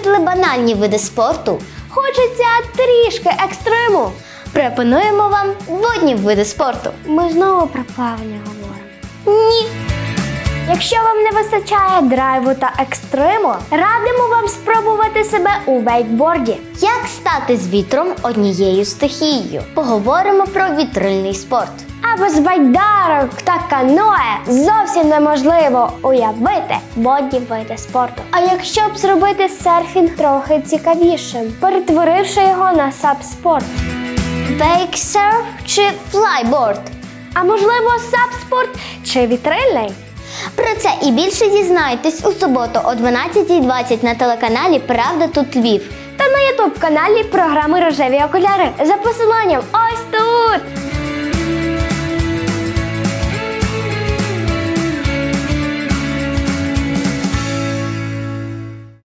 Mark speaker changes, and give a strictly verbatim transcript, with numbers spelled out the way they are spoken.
Speaker 1: Набридли банальні види спорту?
Speaker 2: Хочеться трішки екстриму.
Speaker 1: Пропонуємо вам водні види спорту.
Speaker 2: Ми знову про плавання говоримо.
Speaker 1: Ні.
Speaker 2: Якщо вам не вистачає драйву та екстриму, радимо вам спробувати себе у вейкборді.
Speaker 1: Як стати з вітром однією стихією? Поговоримо про вітрильний спорт.
Speaker 2: А без байдарок та каное зовсім неможливо уявити водні види спорту. А якщо б зробити серфінг трохи цікавішим, перетворивши його на саб-спорт?
Speaker 1: Вейксерф чи флайборд?
Speaker 2: А можливо, саб-спорт чи вітрильний?
Speaker 1: Про це і більше дізнайтесь у суботу о дванадцятій двадцять на телеканалі «Правда тут Львів».
Speaker 2: Та на ютуб-каналі програми «Рожеві окуляри» за посиланням ось тут!